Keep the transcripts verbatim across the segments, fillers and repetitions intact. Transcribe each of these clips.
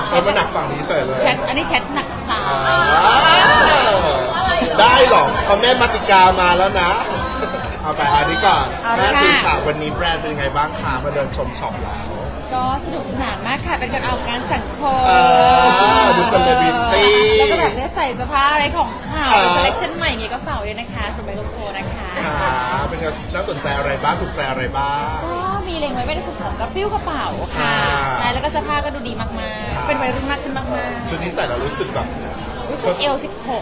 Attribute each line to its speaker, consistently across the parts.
Speaker 1: มันมาหนักฝั่งนี้เฉยเลย
Speaker 2: แชทอันนี้แชทหนักสา
Speaker 1: อ่าได้หรอพอแม่มาติกามาแล้วนะเอาไปอันนี้ก่อนแม่ตีข่าววันนี้แบรนด์เป็นยังไงบ้างคะมาเดินชมช็อปแล้ว
Speaker 2: ก็สนุกสนานมากค่ะเป็นการออกงานสังคม
Speaker 1: ดูเซเลบริตี้
Speaker 2: แล้วก็แบบได้ใส่เสื้อผ้าอะไรของข่าวคอลเลคชันใหม่ไงก็ฝากด้วยนะคะสำหรับไมโครโฟนนะคะ
Speaker 1: เป็นน่าสนใจอะไรบ้างถูกใจอะไรบ้าง
Speaker 2: ก็มีเล็งไว้ในส่วนของกระปิ้วกระเป๋าค่ะใช่แล้วก็เสื้อผ้าก็ดูดีมากๆเป็นวัยรุ่นมากขึ้นมากๆ
Speaker 1: ชุดนี้ใส่แล้วรู้สึกแบบ
Speaker 2: รู้สึกเอลสิบหก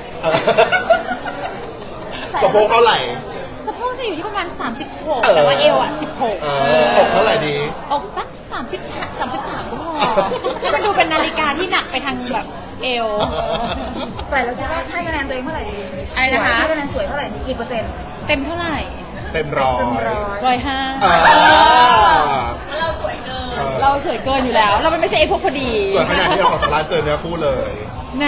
Speaker 1: สะโพกเท่าไหร่
Speaker 2: สะโพกจะอยู่ที่ประมาณสามสิบหกแต่ว่าเอวอ่ะสิบหก
Speaker 1: อกเท่าไหร่ดี
Speaker 2: อกสักสามสิบสามสิบสามก็พอมันดูเป็นนาฬิกาที่หนักไปทางแบบเอว
Speaker 3: ใส่แล้วจะให้คะแนนตัวเองเท่าไหร่ดี
Speaker 2: อะไรนะคะ
Speaker 3: ให้คะแนนสวยเท่าไหร่กี่เปอร์เซ็นต์
Speaker 2: เต็มเท่าไหร่
Speaker 1: เต็มร้อย
Speaker 2: ร้อยห้าเราสวยเกินเราสวยเกินอยู่แล้วเราไม่ใช่ไอ้พวกพอดี
Speaker 1: สวยขนาดที่เราขอสาระเจอเนื้อคู่เลย
Speaker 2: ไหน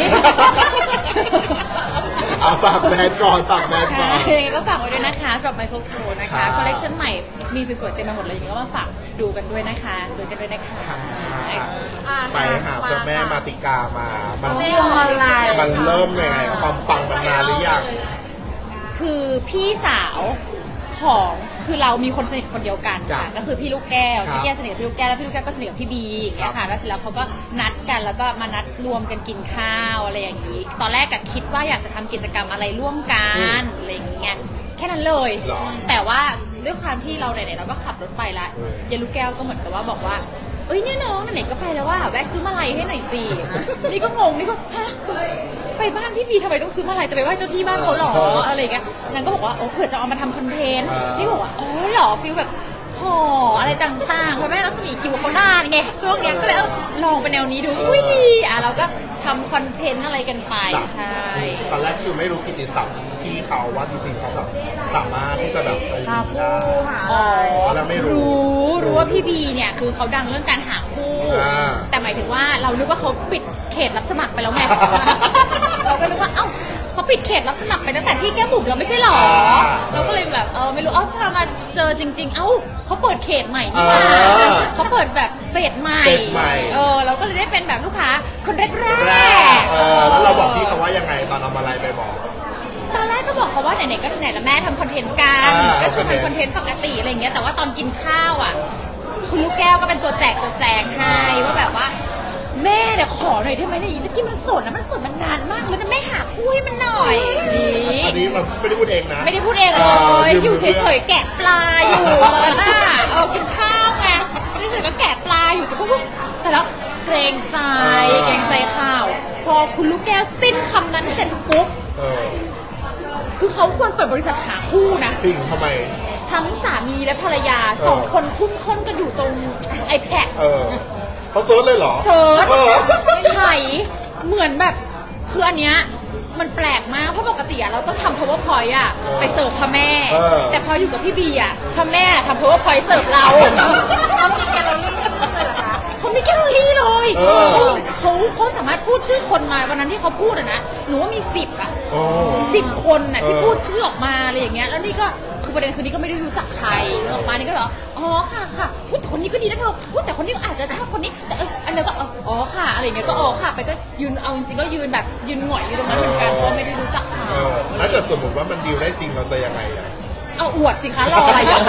Speaker 1: เอาฝากแบรนด์ก่อนฝากแบรนด์ก่อน
Speaker 2: ก็ฝากไว้ด้วยนะคะสำหรับไมโครโฟนนะคะคอลเลคชันใหม่มีสวยๆเต็มไปหมดเลยอย่างนี้ก็มาฝากดูกันด้วยนะคะซื้อกันด้วยนะคะ
Speaker 1: ไปหาพ่อแม่มาติกามามันมันเริ่มยังไงความปังมันนานหรือยัง
Speaker 2: คือพี่สาวของคือเรามีคนสนิทคนเดียวกันค่ะก็คือพี่ลูกแก้วพี่แก้วสนิทกับพี่ลูกแก้วแล้วพี่ลูกแก้วก็สนิทกับพี่บีอย่างเงี้ยค่ะแล้วเสร็จแล้วเขาก็นัดกันแล้วก็มานัดรวมกันกินข้าวอะไรอย่างงี้ตอนแรกก็คิดว่าอยากจะทำกิจกรรมอะไรร่วมกันอะไรอย่างเงี้ยแค่นั้นเลยแต่ว่าด้วยความที่เราไหนๆเราก็ขับรถไปละยายลูกแก้วก็เหมือนกับว่าบอกว่าเอ้ยเนี่ยน้องไหนก็ไปแล้วว่าแวะซื้อมาลัยให้หน่อยสินี่ก็งงนี่ก็ฮะไปบ้านพี่บีทำไมต้องซื้อมาลัยจะไปไหว้เจ้าที่บ้านเขาหรออะไรเงี้ยนางก็บอกว่าโอ้เผื่อจะเอามาทำคอนเทนต์นี่บอกว่าอ๋อหรอฟิลแบบขออะไรต่างๆเพราะแม่รัศมีคิวเขาหน้าไงช่วงนี้ก็เลยลองไปแนวนี้ดูอุ้ยดีอ่ะเราก็ทำคอนเทนต์อะไรกันไปใช่
Speaker 1: ตอนแรกคือไม่รู้กิตติศัพท์พี่เขาว่าจริงๆเขาแบบสามารถที่จะแบบ
Speaker 3: หาคู่หา
Speaker 2: อ๋
Speaker 1: อแล้วไม่รู้
Speaker 2: รู้ว่าพี่บีเนี่ยคือเขาดังเรื่องการหาคู่แต่หมายถึงว่าเรานึกว่าเขาปิดเขตรับสมัครไปแล้วไงเราก็นึกว่าเอ้าเขาปิดเขตรับสมัครไปตั้งแต่ที่แก้มบุ๋มเราไม่ใช่หรอเราก็เลยแบบเออไม่รู้เอ้าพามาเจอจริงๆเอ้าเขาเปิดเขตใหม่นี่มาเขาเปิดแบบเฟสใหม่เออเราก็เลยได้เป็นแบบลูกค้าคนแรกๆ
Speaker 1: แล้วเราบอกพี่เขาว่ายังไงตอนเอามาไลน์ไปบอก
Speaker 2: ตอนแรกก็บอกเขาว่าไหนๆก็ไหนแล้วแม่ทำคอนเทนต์กันก็ชวนทำคอนเทนต์ปกติอะไรอย่างเงี้ยแต่ว่าตอนกินข้าวอ่ะคุณลูกแก้วก็เป็นตัวแจกตัวแจงให้ว่าแบบว่าแม่เนี่ยขอหน่อยได้ไหมเนี่ยอีจะกินมันสดนะมันสดมันนานมากแล้วนะแม่หาคู่ให้มันหน่อย
Speaker 1: นี่อันนี้เราไม่ได้พูดเองนะ
Speaker 2: ไม่ได้พูดเองเลยอยู่เฉยๆแกะปลาอยู่ตอนนั้นน่ะเออกินข้าวไงนี่เฉยๆก็แกะปลาอยู่ฉันก็ว่าแต่แล้วเกรงใจเกรงใจข้าวพอคุณลูกแก้วสิ้นคำนั้นเสร็จปุ๊บคือเขาควรเปิดบริษัทหาคู่นะ
Speaker 1: จริงทำไม
Speaker 2: ทั้งสามีและภรรยาสองคนคุ้มค้นกันอยู่ตรง iPad
Speaker 1: เขาเซิร์ชเลยเหรอ
Speaker 2: เซิร์ชไถ่เหมือนแบบคืออันเนี้ยมันแปลกมากเพราะปกติอะเราต้องทำ powerpoint อะไปเสิร์ฟพ่อแม่แต่พออยู่กับพี่บีอะพ่อแม่ทำ powerpoint เสิร์ฟเราเขามีแกลเลอรี่เลยเหรอคะเขามีแกลเลอรี่เลยเขาเขาเขาสามารถพูดชื่อคนมาวันนั้นที่เขาพูดอะนะหนูว่ามีสิบอะสิบคนอะที่พูดชื่อออกมาอะไรอย่างเงี้ยแล้วนี่ก็คือประเด็นคือนี่ก็ไม่ได้รู้จักใครออกมานี่ก็แบบอ๋อค่ะค่ะแต่คนนี้ก็ดีนะเธอแต่คนนี้อาจจะชอบคนนี้แต่เอออันนี้ก็อ๋อค่ะอะไรเงี้ยก็อ๋อค่ะไปก็ยืนเอาจริงๆก็ยืนแบบยืนหงอยอยู่ตรงนั้นเหมือนกันเพราะไม่ได้รู้จักเขา
Speaker 1: ถ้าเกิดสมมติว่ามันดีลได้จริงเราจะยังไงอ่ะ
Speaker 2: เอาอวดสิคะรออะไรอยู่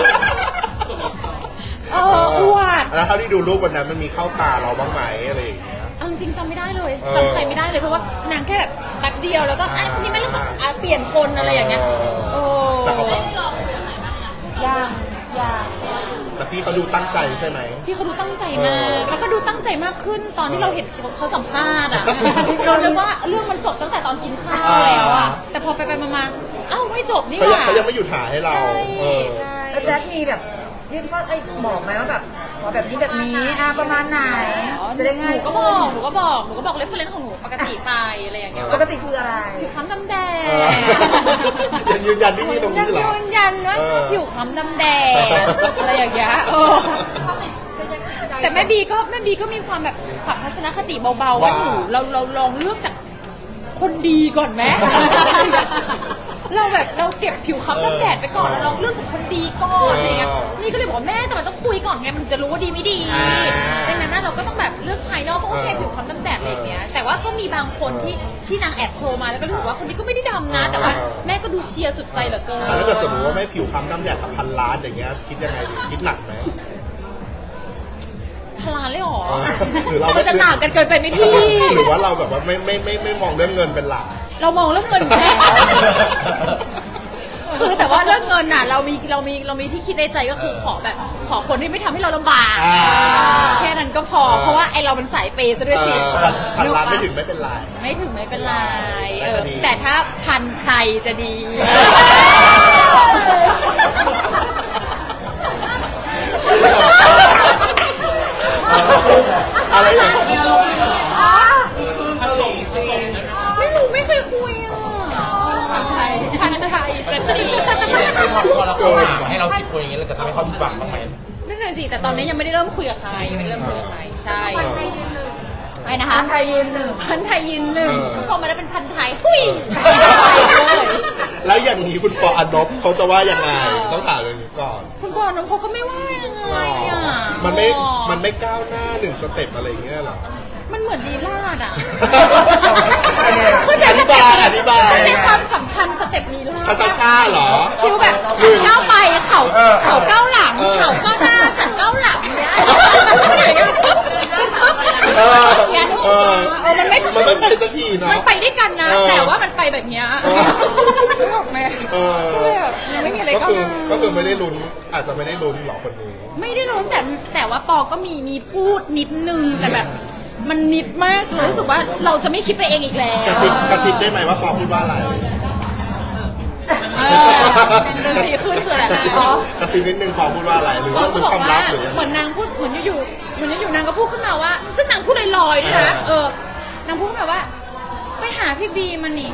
Speaker 2: เอออวด
Speaker 1: แล้วเท่าที่ดูรูปวันนั้นมันมีเข้าตาเราบ้างไหมอะไรอย่างเงี้ย
Speaker 2: เอาจริงจำไม่ได้เลยจำใครไม่ได้เลยเพราะว่านางแค่แบบแป๊บเดียวแล้วก็อ่ะคนนี้ไม่รู้ก็เปลี่ยนคนอะไรอย่างเงี้ยโอ้
Speaker 1: แต่เขา
Speaker 2: ยังยัง
Speaker 1: แต่พี่เขาดูตั้งใจใช่ไหม
Speaker 2: พี่เขาดูตั้งใจมากแล้วก็ดูตั้งใจมากขึ้นตอนที่เราเห็นเขาสัมภาษณ์อ่ะเราคิดว่าเรื่องมันจบตั้งแต่ตอนกินข้าวแล้วอ่ะแต่พอไปไปมาๆเอ้าไม่จบนี่หว่า
Speaker 1: เขายังไม่หยุดถ่ายให้เรา
Speaker 2: ใช่ใช่
Speaker 3: แล้วแจ็คมีแบบยื่นข้อไอ้บอกไหมว่าแบบขอแบบนี้แบบนี้อ่ะประมาณไหน
Speaker 2: จะได้ไงหนูก็บอกหนูก็บอกหนูก็บอกเรฟเฟอเรนซ์ของหนูปกติไปอะไรอย่างเงี้ย
Speaker 3: ปกติคืออะไร
Speaker 2: ผิวคล้ำดำแดง
Speaker 1: ยังยืนยันที่นี่ตรงนี้เหรอ
Speaker 2: ยืนยันว่าชอบผิวคล้ำดำแดงอะไรอย่างเงี้ยแต่แม่บีก็แม่บีก็มีความแบบปรับทัศนคติเบาๆว่าหนูเราเราลองเลือกจากคนดีก่อนไหมเราแบบเราเก็บผิวคล้ำดำแดดไปก่อนแล้วเราเลือกจากคนดีก่อนอะไรเงี้ยนี่ก็เลยบอกว่าแม่แต่มันต้องคุยก่อนไงมันถึงจะรู้ว่าดีไม่ดี
Speaker 1: อ่า
Speaker 2: ดังนั้นนะเราก็ต้องแบบเลือกภายนอกก็โอเคผิวคล้ำดำแดดอะไรอย่างเงี้ยแต่ว่าก็มีบางคนที่ที่นางแอบโชว์มาแล้วก็รู้สึกว่าคนนี้ก็ไม่ได้ดำนะ แต่ว่าแม่ก็ดูเชียร์สุดใจเหลือเกิน
Speaker 1: แต่ถ้าเกิดสมมติว่าไม่ผิวคล้ำน้ำแดดกับพันล้านอย่างเงี้ยคิดยังไงดีคิดหนักไหม
Speaker 2: พลานเลยเหรอ
Speaker 1: หรือเรา
Speaker 2: มันจะต่างกันเกินไปไหมพี่
Speaker 1: หรือว่าเราแบบว่าไม่ไม่ไม่ไม่มองเรื่องเงินเป็นหลัก
Speaker 2: เรามองเรื่องเงินแค่ คือแต่ว่าเรื่องเงินน่ะเรามีเรามีเรามีที่คิดในใจก็คือขอแบบขอคนที่ไม่ทำให้เราลำบาก
Speaker 1: อ่า
Speaker 2: แค่นั้นก็พอ เพราะว่าไอเรามันสายเปย์ซะด้วยสิ
Speaker 1: เออพันล้าน
Speaker 2: ก
Speaker 1: ไม่
Speaker 2: ปะ
Speaker 1: ถึงไม่เป็นไร
Speaker 2: ไม่ถึงไม่เป็นไรเออ
Speaker 1: ได้ก็ดี
Speaker 2: แต่ถ้าพันใครจะดี
Speaker 1: อะไรอย่างเงี้ย
Speaker 2: ไม่รู้ไม่เคยคุยอ่ะพันไทยพันไทยสตรี
Speaker 4: พอเราเข้ามาให้เราสิบคนอย่างเงี้ยเราจะทำให้เขาผิดหวังบ้างไหม
Speaker 2: นั่นน่ะสิแต่ตอนนี้ยังไม่ได้เริ่มคุยกับใครยังไม่ได้เริ่มคุยกับใครใช่ไอ้นะคะ
Speaker 3: พันไทยยืนหนึ่ง
Speaker 2: พันไทยยืนหนึ่งพอมาได้เป็นพันไทยหุย
Speaker 1: แล้วอย่างนี้คุณปออนบเขาจะว่ายังไงต้องถามเรื่องนี้ก่อน
Speaker 2: คุณพ่อน้องเขาก็ไม่ว่ายังไงอ่ะ
Speaker 1: มันไม่มันไม่ก้าวหน้าหนึ่งสเต็ปอะไรอย่างเงี้ยหรอ
Speaker 2: มันเหมือนลีลาดอ่ะ
Speaker 1: อธิบายอธิบาย
Speaker 2: เข้าใจความสัมพันธ์สเต็ปลีลาด
Speaker 1: ชาชาชาเหรอ
Speaker 2: คิวแบบฉันก้าวไปเขาเขาก้าวหลังเขาก้าวหน้าฉันก้าวหลังเนี่ย
Speaker 1: เออ
Speaker 2: เนี่ย
Speaker 1: เออ
Speaker 2: เออมันไม่
Speaker 1: มันไม่ไปสักทีเนาะ
Speaker 2: มันไปด้วยกันนะ
Speaker 1: เออ
Speaker 2: แต่ว่ามันไปแบบเนี้ย
Speaker 1: เออ
Speaker 2: นึกออกไหม
Speaker 1: เออ
Speaker 2: ก็เลยแบบยังไม่มีอะไร
Speaker 1: ก็
Speaker 2: ก้าว
Speaker 1: คือ
Speaker 2: หน้า
Speaker 1: ก็คือไม่ได้ลุ้นอาจจะไม่ได้ลุ้นหรอคนนี้
Speaker 2: ไม่ได้รู้แต่แต่ว่าปอก็มีมีพูดนิดนึงแต่แบบมันนิดมากเลยรู้สึกว่าเราจะไม่คิดไปเองอีกแล้ว
Speaker 1: กระซิบกระซิบได้ไหมว่าปอพูดว่าอะไร
Speaker 2: เออเรื่องดีขึ้นคืออะไร
Speaker 1: กระซิบ
Speaker 2: อ๋อก
Speaker 1: ระซิบนิดนึงปอพูดว่าอะไรหรือ
Speaker 2: ปอ
Speaker 1: ว่า
Speaker 2: ก็
Speaker 1: เป็น
Speaker 2: บอก
Speaker 1: ความ
Speaker 2: ว่า
Speaker 1: ลับหรือยัง
Speaker 2: เหมือนนางพูดเหมือนอยู่ๆเหมือนอยู่ๆนางก็พูดขึ้นมาว่า ซึ่งนางพูดลอยๆด้วยนะเออนางพูดแบบว่า ไปหาพี่บีมันนี่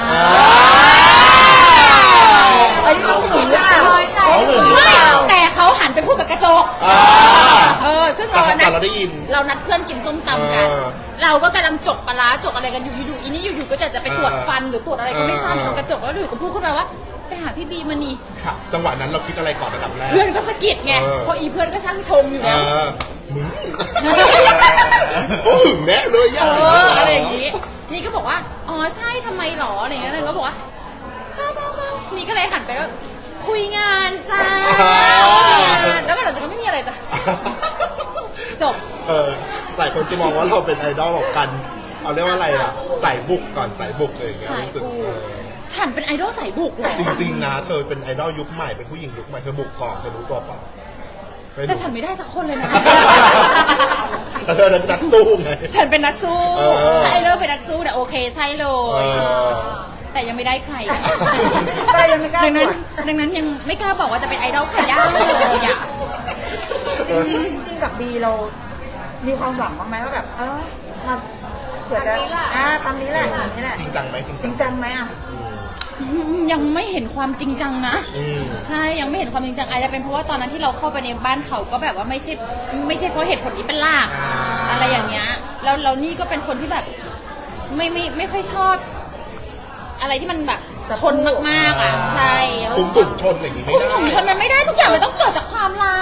Speaker 3: ไอ้เขาหึงหรือเปล่า
Speaker 4: เขาหึงหรือ
Speaker 2: ไม่
Speaker 4: เปล่า
Speaker 2: แต่เขาหันไปพูดกับกระจก
Speaker 1: อ่า
Speaker 2: เออซึ่งเรา
Speaker 1: แต่
Speaker 2: นัด
Speaker 1: เราได้ยิน
Speaker 2: เรานัดเพื่อนกินส้มตำกัน
Speaker 1: เออ
Speaker 2: เราก็กำลังจกปลาร้าจกอะไรกันอยู่อยู่ๆอีนี่อยู่ๆก็จะจะไปตรวจฟันหรือตรวจอะไรก็ไม่ทราบ
Speaker 1: เออ
Speaker 2: ตรงกระจกแล้วอยู่ก็พูดขึ้นมาว่า ไปหาพี่บีมันนี่
Speaker 1: ค่ะจังหวะนั้นเราคิดอะไรก่อนระดับแรก
Speaker 2: เพื่อนก็สะกิดไง
Speaker 1: เออ
Speaker 2: เพราะอีเพื่อนก็ช่างชมอยู่
Speaker 1: เอ
Speaker 2: แล้ว
Speaker 1: อมึงโอ้หึงแน่เลย
Speaker 2: เอ
Speaker 1: ย่า
Speaker 2: ออะไรอย่างงี้ นี่ก็บอกว่า อ๋อใช่ทำไมหรออะไรอย่างเงี้ยเลยก็บอกว่าเบาๆๆนี่ก็เลยหันไปว่าคุยงานจ้า แล้วก็เดี๋ยวจะก็ไม่มีอะไรจ้ะ จบ
Speaker 1: เออหลายคนจะมองว่าเราเป็นไอดอลของกัน เอาเรียกว่าอะไรอ่ะใส่บุกก่อนใส่บุกเลยอย่างเงี้ย
Speaker 2: สาย
Speaker 1: รู้สึก
Speaker 2: บุก
Speaker 1: เออ
Speaker 2: ฉันเป็นไอดอลสายบุกเลย
Speaker 1: จริงๆนะเธอเป็นไอดอลยุคใหม่เป็นผู้หญิงยุคใหม่เธอบุกก่อนเธอรู้ตัวเปล่าไม่รู้
Speaker 2: แต่ฉันไม่ได้สักคนเลยนะ
Speaker 1: แต่เธอเป็นนักสู้ไง
Speaker 2: ฉันเป็นนักสู้
Speaker 1: เออ
Speaker 2: ถ้าไอดอลเป็นนักสู้เนี่ยโอเคใช่เล
Speaker 1: เอย อ
Speaker 2: แต่ยังไม่ได้ใคร
Speaker 3: แต่ยังไม่กล้า
Speaker 2: ดังนั้น
Speaker 3: ตรวจ
Speaker 2: ดังนั้นยังไม่กล้าบอกว่าจะเป็นไอดอลใครได้เลยอ่ะ
Speaker 1: เออ
Speaker 3: จริงๆกับบีเรา มีความหวังบ้างไหมว่าแบบ เออมาเผื่อจะอ่าตามนี้แหละตามนี้แหละ
Speaker 1: จริงจังไหมจริง
Speaker 3: จ
Speaker 1: จั
Speaker 3: ริ
Speaker 1: ง
Speaker 3: งจังไหมอ่ะ
Speaker 2: ยังไม่เห็นความจริงจังนะ
Speaker 1: อืม
Speaker 2: ใช่ยังไม่เห็นความจริงจังอาจจะเป็นเพราะว่าตอนนั้นที่เราเข้าไปในบ้านเขาก็แบบว่าไม่ใช่ไม่ใช่เพราะเหตุผลนี้เป็นหลัก
Speaker 1: อ่า
Speaker 2: อะไรอย่างเงี้ยแล้วเรานี่ก็เป็นคนที่แบบ ไม่ไม่ไม่ค่อยชอบ อะไรที่มันแบบชนมากๆอ่ะใช่
Speaker 1: คุมตุ่มชนอย่างนี้ไม่
Speaker 2: คุม
Speaker 1: ได้
Speaker 2: ถุงชนมันไม่ได้ทุกอย่างมันต้องเกิดจากความรัก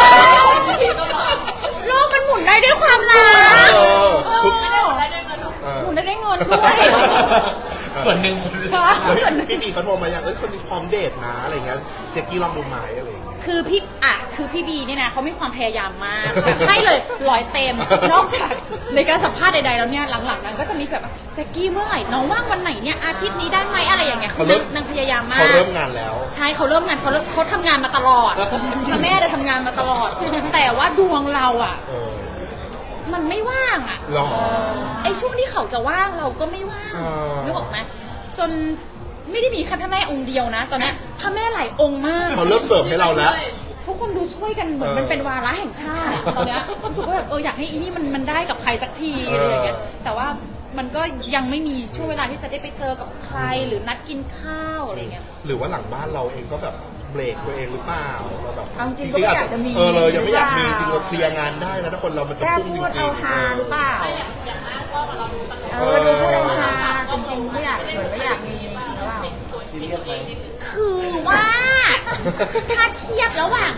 Speaker 2: โลกมันหมุนได้ด้วยความรัก
Speaker 1: เออ
Speaker 2: เออ
Speaker 1: คุณ
Speaker 2: หมุนได้ด้วยเงินด้วย
Speaker 4: ส่วนหนึ่ง
Speaker 2: ส่วนหนึ่ง
Speaker 1: พี่บีเขาโทรมาอย่างเอ้ยคนนี้พร้อมเดทนะอะไรเงี้ยเจ๊กี้ลองดูไหมอะไรอย่างเงี้ย
Speaker 2: คือพี่อ่ะคือพี่บีเนี่ยนะเขามีความพยายามมากแบบให้เลยร้อยเต็ม นอกจากในการสัมภาษณ์ใดๆแล้วเนี่ยหลังๆนั้นก็จะมีแบบว่าแจ็คกี้เมื่อไหร่น้องว่างวันไหนเนี่ยอาทิตย์นี้ได้ไหมอะไรอย่างเงี้ยคือนางนางพยายามมาก
Speaker 1: เขาเริ่มงานแล้ว
Speaker 2: ใช่เขาเริ่มงานเขาเริ่มเขาทำงานมาตลอดพ่อแม่ได้ทำงานมาตลอด แต่ว่าดวงเราอ่ะ
Speaker 1: เออ
Speaker 2: มันไม่ว่างอ่ะ
Speaker 1: หรอ
Speaker 2: ไอ้ช่วงที่เขาจะว่างเราก็ไม่ว่าง
Speaker 1: อ่านึ
Speaker 2: นึกออกไหมจนไม่ได้มีแค่พระแม่องค์เดียวนะ ตอนนี้พระแม่หลายองค์มาก
Speaker 1: เขาเลิกเสิร์ฟให้เราแล้ว
Speaker 2: ทุกคนดูช่วยกันเหมือน
Speaker 1: เออ
Speaker 2: มันเป็นวาระแห่งชาติตอนเนี้ยรู้สึกว่าแบบเอออยากให้อีนี่มันมันได้กับใครสักที
Speaker 1: เอออ
Speaker 2: อะไรอย่างเงี้ยแต่ว่ามันก็ยังไม่มีช่วงเวลาที่จะได้ไปเจอกับใครหรือนัดกินข้าวอะไรเงี้ย
Speaker 1: หรือว่าหลังบ้านเราเองก็แบบเบรกตัวเองหรือเปล่าเราแบบ
Speaker 3: เอาจริงก็ไม่อยากจะมี
Speaker 1: เออเลยยังไม่อยากมี
Speaker 3: หรือ
Speaker 1: จ
Speaker 3: เปล่า
Speaker 1: ริงเราเคลียร์งานได้นะถ้าคนเรามันจะ
Speaker 3: แค่
Speaker 1: พุ่งจ
Speaker 3: พูด
Speaker 1: ริ
Speaker 3: เอา
Speaker 1: ง
Speaker 3: ฮาหรือเปล่าเออดูพูดเอาฮาจริงๆไม่อยากเหมือนไม่อยากมีหรือเปล่า
Speaker 2: คือว่าถ้าเทียบระหว่างก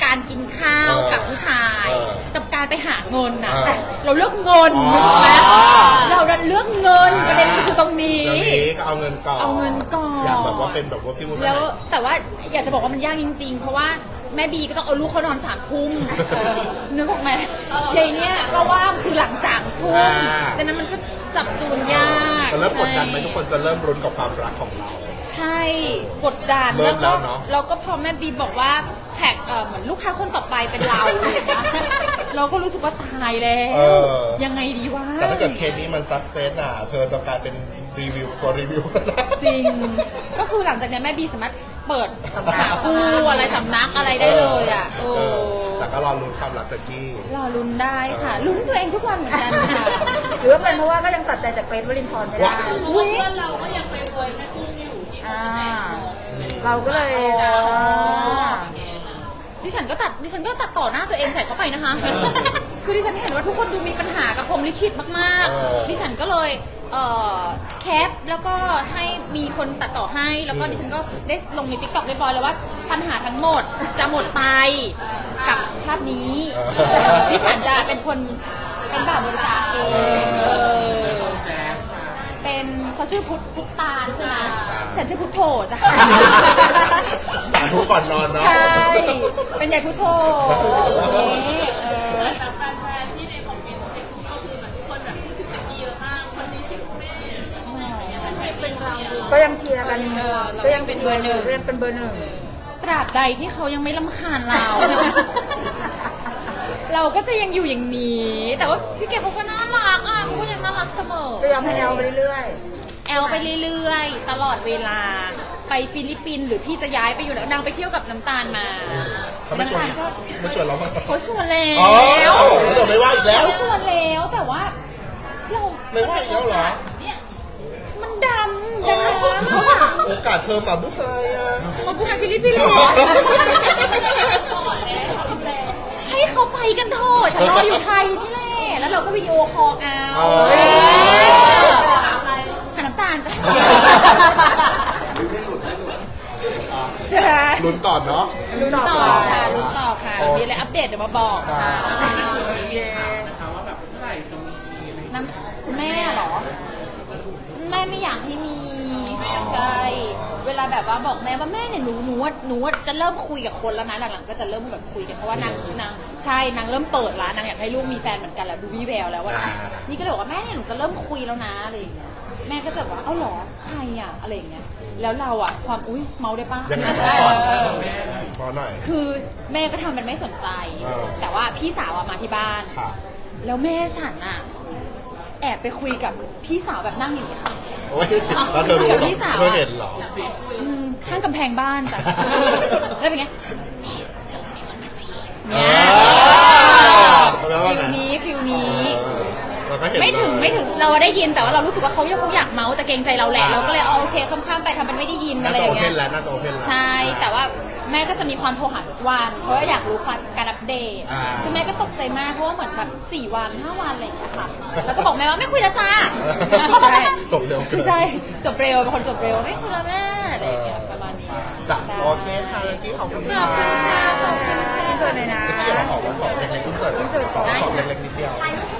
Speaker 2: การกินข้าว
Speaker 1: เออ
Speaker 2: กับผู้ชาย
Speaker 1: เออ
Speaker 2: กับการไปหาเงินนะ
Speaker 1: เออ
Speaker 2: แต่เราเลือกเงิน
Speaker 1: อ๋อ
Speaker 2: นึกออกไหมเราดันเลือกเงินประเด็นคือตรงนี้
Speaker 1: เดี๋ยวนี้ก็เอาเงินก่อน
Speaker 2: เอาเงินก่อน
Speaker 1: อยากแบบว่าเป็นแบบว่าพี่วุ้น
Speaker 2: แล้วแต่ว่าอยากจะบอกว่ามันยากจริง ๆ เพราะว่าแม่บีก็ต้องเอาลูกเขานอนสามทุ่มนึกออกไหมยายเนี่ยก็ว่างคือหลังสามทุ่มดังนั้นมันก็จับจูนยาก
Speaker 1: แต่เริ่มกดดันไหม
Speaker 2: ใช่
Speaker 1: ทุกคนจะเริ่มรุนกับความรักของเรา
Speaker 2: ใช่กดดัน
Speaker 1: เริ่
Speaker 2: แล้ว
Speaker 1: ม
Speaker 2: ก็
Speaker 1: แล้วเนอะ
Speaker 2: แล้วก็พอแม่บีบอกว่าแท็กเอ่อเหมือนลูกค้าคนต่อไปเป็นเราอะไรอย่างเงี้ยเราก็รู้สึกว่าตายแล้
Speaker 1: เอ
Speaker 2: ว
Speaker 1: อ
Speaker 2: ยังไงดีวะ
Speaker 1: แต่ถ้าเกิดเคสนี้มันซักเซสอ่ะ เธอจะกลายเป็นรีวิวตัวรีวิว
Speaker 2: จริง ก็คือหลังจากเนี้ยแม่บีสามารถเปิดหาคู่อะไรสำนักอะไรได้เลยอ่ะโอ้
Speaker 1: เออแต่ก็รอลุ้นความรักจากกี้
Speaker 2: รอลุ้นได้ค่ะ ลุ้นตัวเองทุกวันเหมือนกันค่ะ
Speaker 3: หรือว่าเป็นเพราะว่าก็ยังตัดใจจากเกรทวรินทร์ไม่ได้
Speaker 1: ว้าว
Speaker 2: อุ้ย
Speaker 3: อ่าเราก็เลย
Speaker 2: อ๋อดิฉันก็ตัดดิฉันก็ตัดต่อหน้าตัวเองใส่เข้าไปนะคะ คือดิฉันเห็นว่าทุกคนดูมีปัญหากับพรหมลิขิตมาก
Speaker 1: เออ
Speaker 2: ๆ ดิฉันก็เลยเอ่อแคปแล้วก็ให้มีคนตัดต่อให้แล้วก็ดิฉันก็ได้ลงในติ๊กต็อกเรียบร้อยแล้วว่าปัญหาทั้งหมดจะหมดไปกับภาพนี้ ดิฉันจะเป็นคนเป็นแบบบริจาคเองเออเป็นเขาชื่อพุทธพุทธตาลใช่ไหมฉันชื่อพุทโธจ้ะ
Speaker 1: สาธุก่อนนอนเนาะ
Speaker 2: ใช่ เป็นใหญ่พุทโธอย่างนี้เออ
Speaker 3: ก็ยังเชียร์กันก็ยังเป็นเบอร์หนึ่งยังเป็นเบอร์หนึ่ง
Speaker 2: ตราบใดที่เขายังไม่ลำคาญเรา เราก็จะยังอยู่อย่างนี้ แต่ว่าพี่เกดเขาก็น่ารักอ่ะเขาก็ยังน่ารักเสมอ
Speaker 3: ก็ยังให้แอลไปเรื่อย
Speaker 2: แอลไปเรื่อยๆ ตลอดเวลา ไปฟิลิปปินส์หรือพี่จะย้ายไปอยู่ไหนนางไปเที่ยวกับน้ำตาลมา
Speaker 1: เขาไม่ชวน
Speaker 2: น้ำตาลก็
Speaker 1: ไม่ชวนเราบ้าง
Speaker 2: เขาชวนแล้
Speaker 1: อ๋อ
Speaker 2: ว
Speaker 1: แล้วเดี๋ยวไม่ว่าอีกแล้ว
Speaker 2: เขาชวนแล้วแต่ว่า เรา
Speaker 1: ไม่ว่าอีกแล้วเหรอ
Speaker 2: มันดำดำอะ
Speaker 1: โอกาสเธอมาบุกไทยอ่ะ
Speaker 2: มาพูดในฟิลิปปินส์เลยให้เขาไปกันเถอะฉันรออยู่ไทยนี่แหละแล้วเราก็วิดีโอคอลเอา
Speaker 1: อ๋อ
Speaker 2: เออหาน้ำตาลจ้ะใช่
Speaker 1: ลุ้นต่อเนาะ
Speaker 2: ลุ้นต่อค่ะลุ้นต่อค่ะ มีอะไรอัปเดตเดี๋ยวมาบอกค่ะ
Speaker 3: ๆเย้
Speaker 2: น้ำคุณแม่เหรอ แม่ไม่อยากให้มีใช่ เวลาแบบว่าบอกแม่ว่าแม่เนี่ยหนูหนูว่าหนูว่าจะเริ่มคุยกับคนแล้วนะหลังๆก็จะเริ่มแบบคุยกันเพราะว่านางนางใช่นางเริ่มเปิดแล้วนางอยากให้ลูกมีแฟนเหมือนกันแล้วดูวิแววแล้วว่านี่ก็เลยบอกว่าแม่เนี่ยหนูจะเริ่มคุยแล้วนะอะไรอย่างเงี้ยแม่ก็จะบอกว่าเอ้าเหรอใครอ่ะอะไรอย่างเงี้ยแล้วเราอ่ะความอุ้ยเมาได้ปะ
Speaker 1: ยังไง
Speaker 2: ได้
Speaker 1: ก่อน
Speaker 2: เออ
Speaker 1: พอหน่อย
Speaker 2: คือแม่ก็ทำเป็นไม่สนใจ
Speaker 1: เออ
Speaker 2: แต่ว่าพี่สาวอะมาที่บ้าน
Speaker 1: ค่ะ
Speaker 2: แล้วแม่ฉันอะแอบไปคุยกับพี่สาวแบบนั่งอย่างนี้ยค่ะ
Speaker 1: โอ้ยแล้วเธอรู้เหร
Speaker 2: กับ
Speaker 1: อ
Speaker 2: พี่สาว
Speaker 1: เธอเห็นเหรอ
Speaker 2: อืมข้างกำแพงบ้านจ้ะ แล้วเป็นไงเนี่ย
Speaker 1: แล้วว่า
Speaker 2: ฟิ
Speaker 1: ไง
Speaker 2: วนี้ฟิวนี้
Speaker 1: เออเราก็เห็น
Speaker 2: ไม่ถึง
Speaker 1: เลย
Speaker 2: ไม่ถึงเราได้ยินแต่ว่าเรารู้สึกว่าเขาเขาอยากเมาส์แต่เกรงใจเราแหละ
Speaker 1: อ่า
Speaker 2: เราก็เลยเอาโอเคข้ามๆไปทำเป็นไม่ได้ยิน
Speaker 1: น่า
Speaker 2: อะไร
Speaker 1: จะ
Speaker 2: อ
Speaker 1: โอย่าง เพ
Speaker 2: เงี้
Speaker 1: น
Speaker 2: ย
Speaker 1: แล้วน่าจะโอเพนแล้ว
Speaker 2: ใช่ แต่ว่าแม่ก็จะมีความโทรหาทุกวัน เพราะว่าอยากรู้ความการอัปเดต
Speaker 1: อ่า
Speaker 2: ซึ่งแม่ก็ตกใจมากเพราะว่าเหมือนแบบสี่วันห้าวันอะไรอย่างเงี้ยค่ะ แล้วก็บอกแม่ว่าไม่คุยแล้วจ้า ใช่
Speaker 1: จบเร็วเกิน
Speaker 2: ใช่ จบเร็วเป็นคนจบเร็วไม่คุยแล้วแม่อะไรอย่างเงี้ยประมาณนี้
Speaker 1: จ้ะ
Speaker 2: ใช่
Speaker 1: โอเคค่ะเมื่อกี้ขอบคุณ
Speaker 2: ขอบคุณค่ะ
Speaker 1: ค่ะ
Speaker 2: ขอบคุณค่ะ
Speaker 3: ที่สุดเลยนะ
Speaker 1: จะกี้อยากมาขอวันสอบเล็กๆอินเสิร์ตสอบเล็กๆนิดเดียว
Speaker 2: ถ่ายรูป